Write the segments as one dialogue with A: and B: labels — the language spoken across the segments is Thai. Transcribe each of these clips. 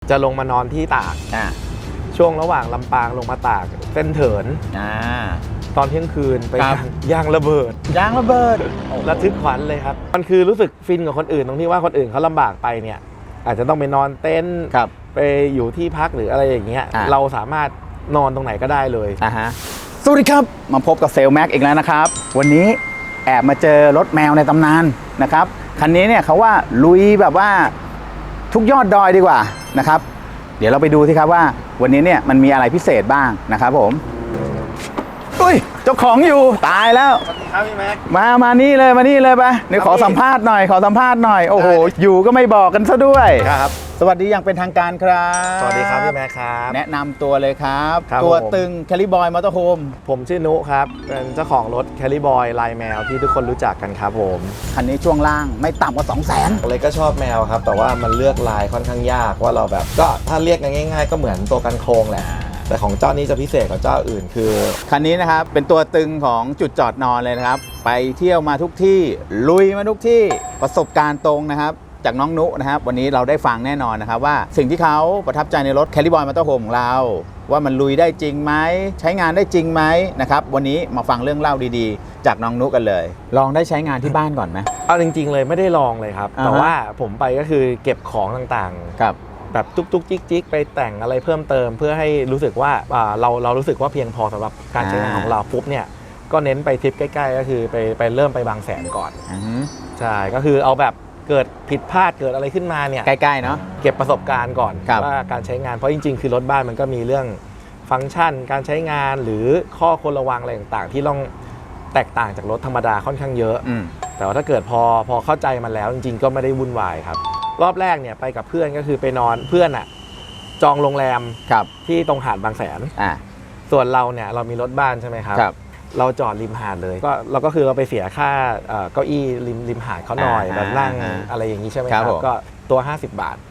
A: จะลงมานอนที่ตากช่วงระหว่างลำปางลงมาตากเส้นเถินตอนเที่ยงคืนไปยางระเบิดระทึกขวัญเลยครับมันคือรู้สึกฟินกับคนอื่นตรงที่ว่าคนอื่นเขาลำบากไปเนี่ยอาจจะต้องไปนอนเต็นท์ไปอยู่ที่พักหรืออะไรอย่างเงี้ยเราสามารถนอนตรงไหนก็ได้เลย
B: สวัสดีครับมาพบกับเซลแม็กอีกแล้วนะครับวันนี้แอบมาเจอรถแมวในตำนานนะครับคันนี้เนี่ยเขาว่าลุยแบบว่าทุกยอดดอยดีกว่านะครับเดี๋ยวเราไปดูสิครับว่าวันนี้เนี่ยมันมีอะไรพิเศษบ้างนะครับผมอุ้ยเจ้าของอยู่ตายแล้ว
A: สวัสดีครับพี่แม็ก
B: มานี่เลยไปเดี๋ยวขอสัมภาษณ์หน่อยโอ้โหอยู่ก็ไม่บอกกันซะด้วย
A: ครับ
B: สวัสดีอย่างเป็นทางการครับ
A: สวัสดีครับพี่แม็กครับ
B: แนะนำตัวเลยครับตัวตึงแคลิบอยมอเตอร์โฮม
A: ผมชื่อนุครับเป็นเจ้าของรถแคลิบอยลายแมวที่ทุกคนรู้จักกันครับผม
B: คันนี้ช่วงล่างไม่ต่ำกว่า 200,000
A: เลยก็ชอบแมวครับแต่ว่ามันเลือกลายค่อนข้างยากว่าเราแบบก็ถ้าเรียกง่ายๆก็เหมือนตัวกันโครงแหละแต่ของเจ้านี้จะพิเศษกว่าเจ้าอื่นคือ
B: คันนี้นะครับเป็นตัวตึงของจุดจอดนอนเลยนะครับไปเที่ยวมาทุกที่ลุยมาทุกที่ประสบการณ์ตรงนะครับจากน้องนุนะครับวันนี้เราได้ฟังแน่นอนนะครับว่าสิ่งที่เขาประทับใจในรถแคลิบอยมอเตอร์โฮมของเราว่ามันลุยได้จริงไหมใช้งานได้จริงไหมนะครับวันนี้มาฟังเรื่องเล่าดีๆจากน้องนุกันเลยลองได้ใช้งานที่บ้านก่อนไหม
A: เอาจริงๆเลยไม่ได้ลองเลยครับแต่ว่าผมไปก็คือเก็บของต่างๆ
B: ครับ
A: แบบจุกจิกไปแต่งอะไรเพิ่มเติมเพื่อให้รู้สึกว่าเรารู้สึกว่าเพียงพอสำหรับการใช้งานของเราปุ๊บเนี่ยก็เน้นไปทริปใกล้ๆก็คือไปเริ่มไปบางแสนก่อนใช่ก็คือเอาแบบเกิดผิดพลาดเกิดอะไรขึ้นมาเนี่ย
B: ใกล้ๆเนาะ
A: เก็บประสบการณ์ก่อนว่าการใช้งานเพราะจริงๆคือรถบ้านมันก็มีเรื่องฟังก์ชันการใช้งานหรือข้อควรระวังอะไรต่างๆที่ต้องแตกต่างจากรถธรรมดาค่อนข้างเยอะแต่ว่าถ้าเกิดพอเข้าใจมันแล้วจริงๆก็ไม่ได้วุ่นวายครับรอบแรกเนี่ยไปกับเพื่อนก็คือไปนอนเพื่อนจองโรงแรมที่ตรงหาดบางแสนส่วนเราเนี่ยเรามีรถบ้านใช่ไหมครับเราจอดริมหาดเลยก็เราก็คือเราไปเสียค่าเก้าอี้ริมหาดเขาหน่อยแบบนั่งอะไรอย่างนี้ใช่ไหมครับก็ตัว50 บาท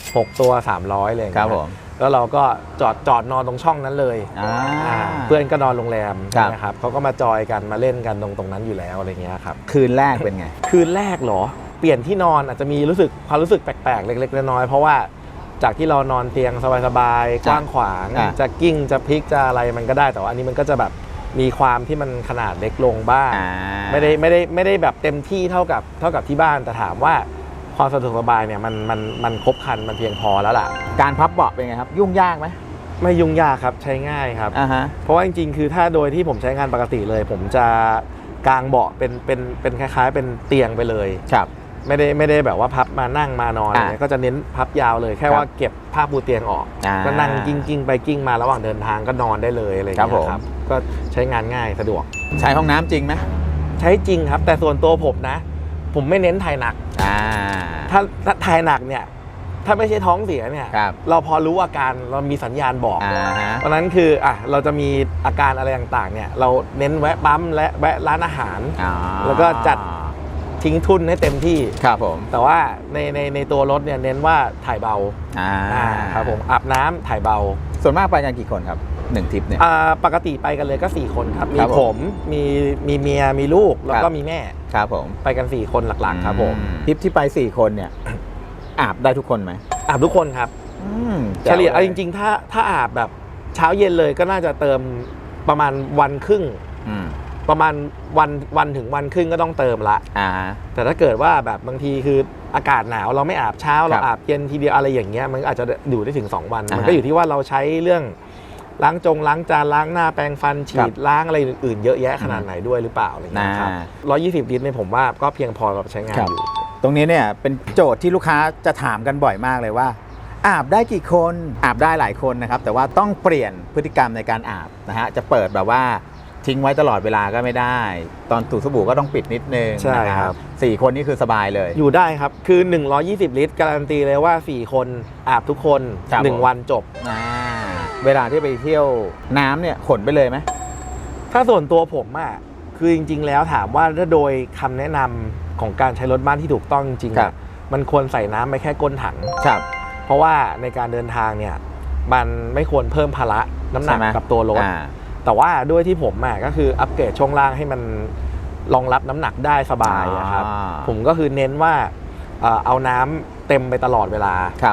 A: 6ตัว300เลย
B: ครับผม
A: แล้วเราก็จอดนอนตรงช่องนั้นเลยเพื่อนก็นอนโรงแรมนะครับเขาก็มาจอยกันมาเล่นกันตรงนั้นอยู่แล้วอะไรเงี้ยครับ
B: คืนแรกเป็นไง
A: คืนแรกเหรอเปลี่ยนที่นอนอาจจะมีความรู้สึกแปลกๆเล็กๆน้อยๆเพราะว่าจากที่เรานอนเตียงสบายๆกว้างขวางจะกิ้งจะพลิกจะอะไรมันก็ได้แต่ว่าอันนี้มันก็จะแบบมีความที่มันขนาดเล็กลงบ้างไม่ได้แบบเต็มที่เท่ากับที่บ้านแต่ถามว่าความสะดวกสบายเนี่ยมันครบครันมันเพียงพอแล้วล่ะ
B: การพับเบาะเป็นไงครับยุ่งยากไหม
A: ไม่ยุ่งยากครับใช้ง่ายครับเพราะว่าจริงๆคือถ้าโดยที่ผมใช้งานปกติเลยผมจะกางเบาะเป็นคล้ายๆเป็นเตียงไปเลย
B: ครับ
A: ไม่ได้แบบว่าพับมานั่งมานอนอะไรก็จะเน้นพับยาวเลยแค่ว่าเก็บผ้าปูเตียงออกก็นั่งกิ้งไปกิ้งมาระหว่างเดินทางก็นอนได้เลยอะไรอย่างเงี้ยครับก็ใช้งานง่ายสะดวก
B: ใช้ห้องน้ำจริงไหม
A: ใช้จริงครับแต่ส่วนตัวผมนะผมไม่เน้นถ่ายหนักถ้าถ่ายหนักเนี่ยถ้าไม่ใช่ท้องเสียเนี่ยเราพอรู้อาการเรามีสัญญาณบอกเพราะนั้นคือเราจะมีอาการอะไรต่างๆเนี่ยเราเน้นแวะปั๊มและแวะร้านอาหารแล้วก็จัดทิ้งทุนให้เต็มที่
B: ครับผม
A: แต่ว่าในตัวรถเนี่ยเน้นว่าถ่ายเบาครับผมอาบน้ำถ่ายเบา
B: ส่วนมากไปกันกี่คนครับ1ทริปเนี่ย
A: ปกติไปกันเลยก็4คนครับมีผมมีเมียมีลูกแล้วก็มีแม่
B: ครับผม
A: ไปกัน4คนหลักๆครับผม
B: ทริปที่ไป4คนเนี่ยอาบได้ทุกคนไหม
A: อาบทุกคนครับเฉลี่ยจริงๆถ้าอาบแบบเช้าเย็นเลยก็น่าจะเติมประมาณวันครึ่งประมาณวันถึงวันครึ่งก็ต้องเติมละแต่ถ้าเกิดว่าแบบบางทีคืออากาศหนาวเราไม่อาบเช้าเราอาบเย็นทีเดียวอะไรอย่างเงี้ยมันอาจจะอยู่ได้ถึง2 วันมันก็อยู่ที่ว่าเราใช้เรื่องล้างจานล้างหน้าแปรงฟันฉีดล้างอะไรอื่นๆเยอะแยะขนาดไหนด้วยหรือเปล่าอะไรอย่างเงี้ยครับ120 ลิตรเนี่ยผมว่าก็เพียงพอกับใช้งานอยู่
B: ตรงนี้เนี่ยเป็นโจทย์ที่ลูกค้าจะถามกันบ่อยมากเลยว่าอาบได้กี่คนอาบได้หลายคนนะครับแต่ว่าต้องเปลี่ยนพฤติกรรมในการอาบนะฮะจะเปิดแบบว่าทิ้งไว้ตลอดเวลาก็ไม่ได้ตอนถูสบู่ก็ต้องปิดนิดนึง
A: ใช่ครับ
B: 4 คนนี่คือสบายเลย
A: อยู่ได้ครับคือ120 ลิตรการันตีเลยว่า4 คนอาบทุกคน1 วันจบ
B: เวลาที่ไปเที่ยวน้ำเนี่ยขนไปเลยไหม
A: ถ้าส่วนตัวผมคือจริงๆแล้วถามว่าถ้าโดยคำแนะนำของการใช้รถบ้านที่ถูกต้องจริงๆมันควรใส่น้ำไปแค่ก้นถังเพราะว่าในการเดินทางเนี่ยมันไม่ควรเพิ่มภาระน้ำหนักกับตัวรถแต่ว่าด้วยที่ผมก็คืออัปเกรดช่วงล่างให้มันรองรับน้ำหนักได้สบายครับผมก็คือเน้นว่าเอาน้ำเต็มไปตลอดเวลา
B: ครับผม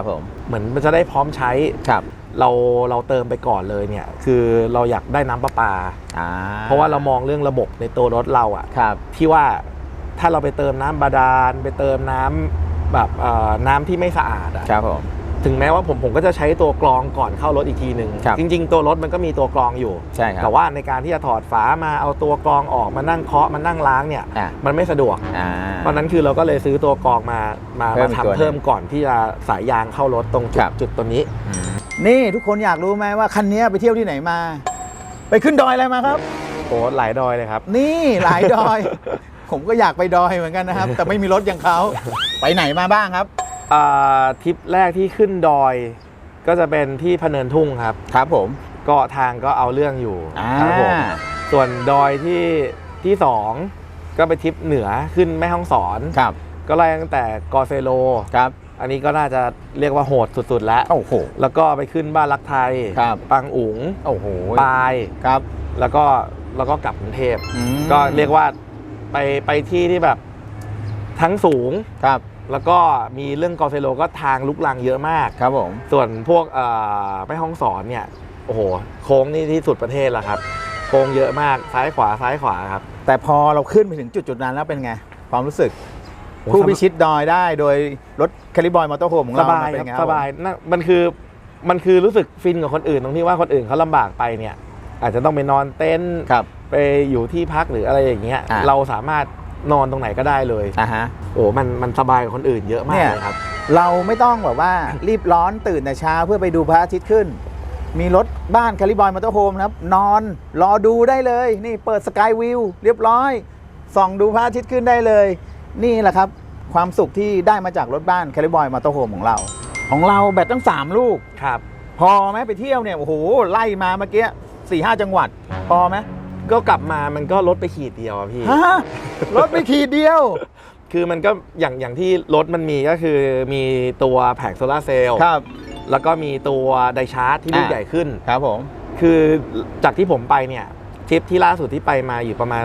A: เหมือนมันจะได้พร้อมใช้
B: ครับ
A: เราเติมไปก่อนเลยเนี่ยคือเราอยากได้น้ำประปาเพราะว่าเรามองเรื่องระบบในตัวรถเราอะ
B: ครับ
A: ที่ว่าถ้าเราไปเติมน้ำบาดาลไปเติมน้ำแบบน้ำที่ไม่สะอาดอะ
B: ครับผม
A: ถึงแม้ว่าผมก็จะใช้ตัวกรองก่อนเข้ารถอีกทีหนึ่ง
B: ครับ
A: จริงๆตัวรถมันก็มีตัวกรองอยู่
B: ใช่ครับ
A: แต่ว่าในการที่จะถอดฝามาเอาตัวกรองออกมานั่งเคาะมานั่งล้างเนี่ยมันไม่สะดวกเพราะนั้นคือเราก็เลยซื้อตัวกรองมาทำเพิ่มก่อนที่จะสายยางเข้ารถตรงจุดตัวนี้
B: นี่ทุกคนอยากรู้ไหมว่าคันนี้ไปเที่ยวที่ไหนมา ไปขึ้นดอยอะไรมาครับ
A: โอ้หลายดอยเลยครับ
B: นี่หลายดอย ผมก็อยากไปดอยเหมือนกันนะครับ แต่ไม่มีรถอย่างเขาไปไหนมาบ้างครับ
A: ทริปแรกที่ขึ้นดอยก็จะเป็นที่พะเนินทุ่งครับ
B: ครับผม
A: ก็ทางก็เอาเรื่องอยู่ครับผมส่วนดอยที่สองก็ไปทริปเหนือขึ้นแม่ฮ่องสอน
B: ครับ
A: ก็ไล่ตั้งแต่กอเซโล
B: ครับ
A: อันนี้ก็น่าจะเรียกว่าโหดสุดๆแล้ว
B: โอ้โห
A: แล้วก็ไปขึ้นบ้านรักไทย
B: ครับ
A: ปังอุ๋ง
B: โอ้โห
A: ปาย
B: ครับ
A: แล้วก็กลับกรุงเทพ
B: อืม
A: ก็เรียกว่าไปที่ที่แบบทั้งสูง
B: ครับ
A: แล้วก็มีเรื่องกอเซโลก็ทางลุกลังเยอะมาก
B: ครับผม
A: ส่วนพวกแม่ฮ่องสอนเนี่ยโอ้โหโค้งนี่ที่สุดประเทศแล้วครับโค้งเยอะมากซ้ายขวาครับ
B: แต่พอเราขึ้นไปถึงจุดนั้นแล้วเป็นไงความรู้สึกผู้พิชิตดอยได้โดยรถแคลิบอยมอเตอร์โฮมของ
A: ส
B: เรา
A: บาย
B: เป็น
A: ครับ
B: ไง
A: สบายนะมันคือรู้สึกฟินกับคนอื่นตรงที่ว่าคนอื่นเขาลำบากไปเนี่ยอาจจะต้องไปนอนเต็นท์
B: ครับ
A: ไปอยู่ที่พักหรืออะไรอย่างเงี้ย
B: อ่ะ
A: เราสามารถนอนตรงไหนก็ได้เลย
B: ฮะ
A: โอ้มันสบายกว่าคนอื่นเยอะมาก
B: เนี่ย
A: เลยครับ
B: เราไม่ต้องแบบว่ารีบร้อนตื่นแต่เช้าเพื่อไปดูพระอาทิตย์ขึ้น มีรถบ้านแคลิบอยมอเตอร์โฮมนะครับนอนรอดูได้เลย นี่เปิดสกายวิวเรียบร้อยส่องดูพระอาทิตย์ขึ้นได้เลย นี่แหละครับความสุขที่ได้มาจากรถบ้านแคลิบอยมอเตอร์โฮมของเราแบตตั้ง3ลูก
A: ครับ
B: พอไหมไปเที่ยวเนี่ยโอ้โหไล่มาเมื่อกี้4-5 จังหวัด พอไหม
A: ก็กลับมามันก็ลดไปขีดเดียวอะพี่
B: ฮะรถไปขีดเดียว
A: คือมันก็อย่างที่รถมันมีก็คือมีตัวแผงโซลาร์เซลล์
B: ครับ
A: แล้วก็มีตัวไดชาร์จที่ลูกใหญ่ขึ้น
B: ครับผม
A: คือจากที่ผมไปเนี่ยทริปที่ล่าสุดที่ไปมาอยู่ประมาณ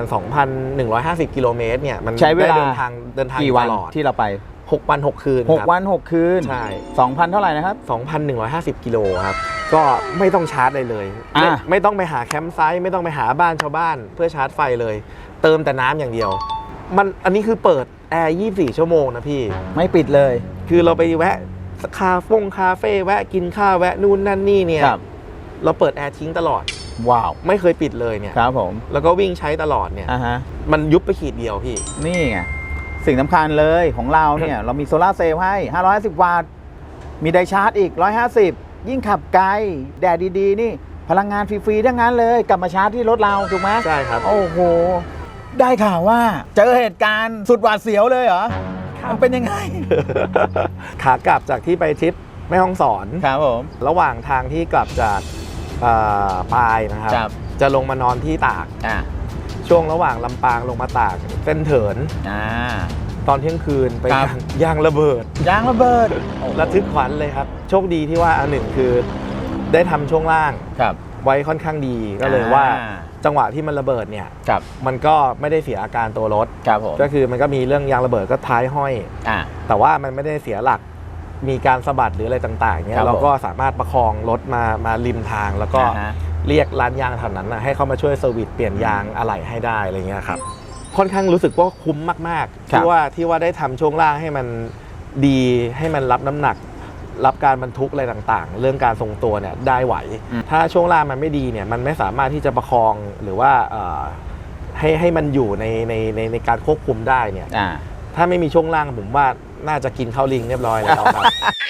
A: 2,150 กิโลเมตรเนี่ยมัน
B: ใช้เวลา
A: ได้เดินทาง
B: กี่วัน
A: ตลอด
B: ที่เราไป
A: 6 วัน 6 คืนครับ
B: 6 วัน 6 คืน
A: ใช่
B: 2,000 เท่าไหร่นะครับ
A: 2,150 กิโลครับ ก็ไม่ต้องชาร์จเลยไม่ต้องไปหาแคมป์ไซต์ไม่ต้องไปหาบ้านชาวบ้านเพื่อชาร์จไฟเลย เติมแต่น้ำอย่างเดียว อันนี้คือเปิดแอร์ 24 ชั่วโมงนะพี่
B: ไม่ปิดเลย
A: คือเราไปแวะคาเฟ่แวะกินข้าวแวะนู่นนั่นนี่เนี่ย
B: ครับ
A: เราเปิดแอร์ทิ้งตลอด
B: ว้าว
A: ไม่เคยปิดเลยเนี่ย
B: ครับผม
A: แล้วก็วิ่งใช้ตลอดเนี่ย
B: ฮะ
A: มันยุบไปขีดเดียวพี่
B: นี่ไงสิ่งสำคัญเลยของเราเนี่ย เรามีโซลาร์เซลล์ให้ 550 วัตต์ มีไดชาร์จอีก 150 ยิ่งขับไกล แดดดีๆ นี่พลังงานฟรีๆทั้งนั้นเลย กลับมาชาร์จที่รถเรา ถูกไหม
A: ใช่ครับ
B: โอ้โห ได้ข่าวว่าเจอเหตุการณ์สุดหวาดเสียวเลยเหรอ มันเป็นยังไง
A: ขากลับจากที่ไปทริปแม่ฮ่องสอน
B: ครับผม
A: ระหว่างทางที่กลับจากปายนะครับ
B: ครับ
A: จะลงมานอนที่ตาก ช่วงระหว่างลำปางลงมาตากเส้นเถิน ตอนเที่ยงคืนไป
B: ครับ
A: ยางระเบิด
B: ยางระเบิด
A: ระทึกขวัญเลยครับ โชคดีที่ว่าอันหนึ่งคือได้ทำช่วงล่าง
B: ครับ
A: ไว้ค่อนข้างดีก็เลยว่าจังหวะที่มันระเบิดเนี่ย
B: ครับ
A: มันก็ไม่ได้เสียอาการตัวรถ
B: ครับผม
A: ก็คือมันก็มีเรื่องยางระเบิดก็ท้ายห้อย แต่ว่ามันไม่ได้เสียหลักมีการสะบัดหรืออะไรต่างๆเนี่
B: ครั
A: ย
B: บ
A: เราก็สามารถประคองรถมาริมทาง แล้วก็เรียกร้านยางแถวนั้นนะให้เขามาช่วยเซอร์วิสเปลี่ยนยางอะไหล่ให้ได้อะไรเงี้ยครับค่อนข้างรู้สึกว่าคุ้มมากๆที่ว่าได้ทำช่วงล่างให้มันดีให้มันรับน้ำหนัก รับการบรรทุกอะไรต่างๆ เรื่องการทรงตัวเนี่ยได้ไหว ถ้าช่วงล่างมันไม่ดีเนี่ยมันไม่สามารถที่จะประคองหรือว่าให้มันอยู่ในการควบคุมได้เนี่ยถ้าไม่มีช่วงล่างผมว่าน่าจะกินข้าวลิงเรียบร้อยแล้วครับ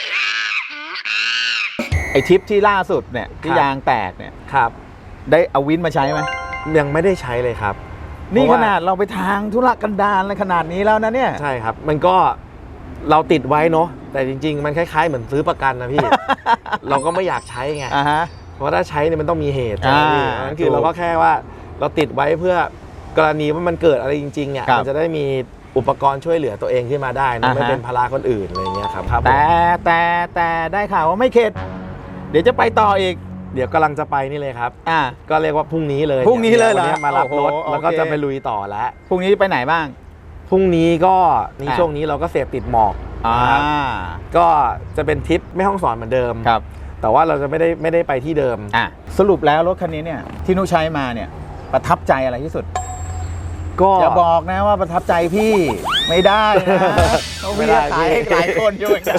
B: ไอทริปที่ล่าสุดเนี่ยที่ยางแตกเนี่ย
A: ครับ
B: ได้เอาวินมาใช้ไหม
A: ยังไม่ได้ใช้เลยครับ
B: นี่
A: เพ
B: ข
A: ราะว่า
B: นาดเราไปทางธุรกันดารอะไรขนาดนี้แล้วนะเนี่ย
A: ใช่ครับ มันก็เราติดไว้เนาะแต่จริงๆ มันคล้ายๆเหมือนซื้อประกันนะพี่ เราก็ไม่อยากใช้ไง เพราะถ้าใช้เนี่ยมันต้องมีเหตุใช่ไหมพี่นั่นคือเราก็แค่ว่าเราติดไว้เพื่อกรณีว่ามันเกิดอะไรจริงๆเนี่ยมันจะได้มีอุปกรณ์ช่วยเหลือตัวเองขึ้นมาได้นะไม่เป็นภาระคนอื่นอะไรเงี้ยครับ
B: แต่ได้ข่าวว่าไม่เข็ดเดี๋ยวจะไปต่ออีก
A: เดี๋ยวกำลังจะไปนี่เลยครับ ก็เรียกว่าพรุ่งนี้เลย
B: พรุ่งนี้เลยเหรอ
A: วันนี้มารับรถ
B: โอ้โห
A: แล้วก็
B: โอเค
A: จะไปลุยต่อแล้ว
B: พรุ่งนี้ไปไหนบ้าง
A: พรุ่งนี้ก็ในช่วงนี้เราก็เสพติดหมอกนะครับก็จะเป็นทริปแม่ฮ่องสอนเหมือนเดิม
B: ครับ
A: แต่ว่าเราจะไม่ได้ไปที่เดิม
B: สรุปแล้วรถคันนี้เนี่ยที่นุใช้มาเนี่ยประทับใจอะไรที่สุด
A: ก็
B: อย่าบอกนะว่าประทับใจพี่ไม่ได้นะเพราะพี่ขายให้หลายคนอยู่เหมือนกัน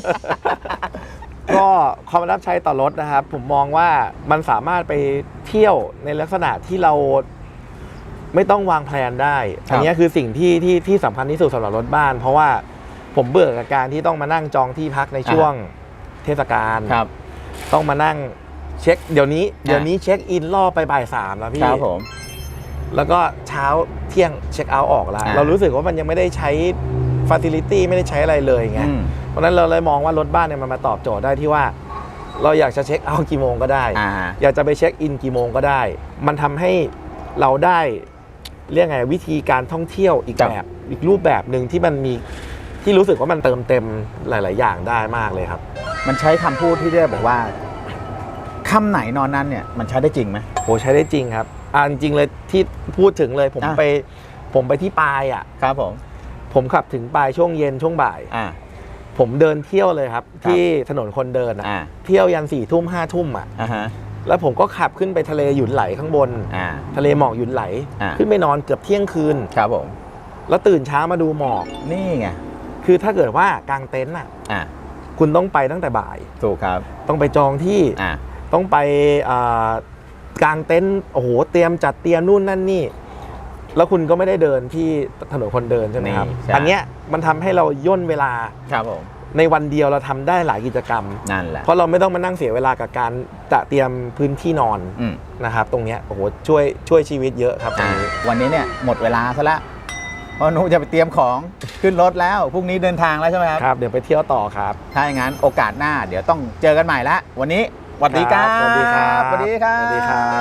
A: ก็ความประทับใจต่อรถนะครับ ผมมองว่ามันสามารถไปเที่ยวในลักษณะที่เราไม่ต้องวางแผนได้ อันนี้คือสิ่งที่สำคัญที่สุดสำหรับรถบ้าน เพราะว่าผมเบื่อกับการที่ต้องมานั่งจองที่พักในช่วงเทศกาลต้องมานั่งเช็คเดี๋ยวนี้เช็คอินล่อไปบ่าย 3แล้วพี่
B: ครับผม
A: แล้วก็เช้าเที่ยงเช็คเอาท์ออกแล้วเรารู้สึกว่ามันยังไม่ได้ใช้ฟาซิลิตี้ไม่ได้ใช้อะไรเลยไงเพราะฉะนั้นเราเลยมองว่ารถบ้านเนี่ยมันมาตอบโจทย์ได้ที่ว่าเราอยากจะเช็คเอาท์กี่โมงก็ได้อยากจะไปเช็คอินกี่โมงก็ได้มันทำให้เราได้เรียกไงวิธีการท่องเที่ยวอีกแบบอีกรูปแบบหนึ่งที่มันมีที่รู้สึกว่ามันเติมเต็มหลาย ๆ อย่างได้มากเลยครับ
B: มันใช้คำพูดที่ได้บอกว่าค่ำไหนนอนนั้นเนี่ยมันใช้ได้จริงไหม
A: โอ้ใช้ได้จริงครับจริงเลยที่พูดถึงเลยผมไปที่ปาย
B: ครับ
A: ผมขับถึงปายช่วงเย็นช่วงบ่ายผมเดินเที่ยวเลยครับที่ถนนคนเดินเที่ยวยัน4 ทุ่ม5 ทุ่มแล้วผมก็ขับขึ้นไปทะเลหยุนไหลข้างบนทะเลหมอกหยุนไหลขึ้นไปนอนเกือบเที่ยงคืน
B: ครับผม
A: แล้วตื่นเช้ามาดูหมอก
B: นี่ไง
A: คือถ้าเกิดว่ากางเต็นท์คุณต้องไปตั้งแต่บ่าย
B: ถูกครับ
A: ต้องไปจองที่ต้องไปกางเต็นท์โอ้โหเตรียมจัดเตรียมนู่นนั่นนี่แล้วคุณก็ไม่ได้เดินที่ถนนคนเดินใช่ไหมครับอันเนี้ยมันทำให้เราย่นเวลา
B: ครับผม
A: ในวันเดียวเราทำได้หลายกิจกรรม
B: นั่นแหละ
A: เพราะเราไม่ต้องมานั่งเสียเวลากับการจะเตรียมพื้นที่นอนนะครับตรงเนี้ยโอ้โหช่วยชีวิตเยอะครับ
B: วันนี้เนี่ยหมดเวลาซะแล้วเพราะหนูจะไปเตรียมของขึ้นรถแล้วพรุ่งนี้เดินทางแล้วใช่ไหมครับ
A: ครับเดี๋ยวไปเที่ยวต่อครับ
B: ถ้าอย่างนั้นโอกาสหน้าเดี๋ยวต้องเจอกันใหม่ละวันนี้สวัสดีครับ
A: สวัสดีครับ
B: สวัสดีครับ
A: สวัสดีครับ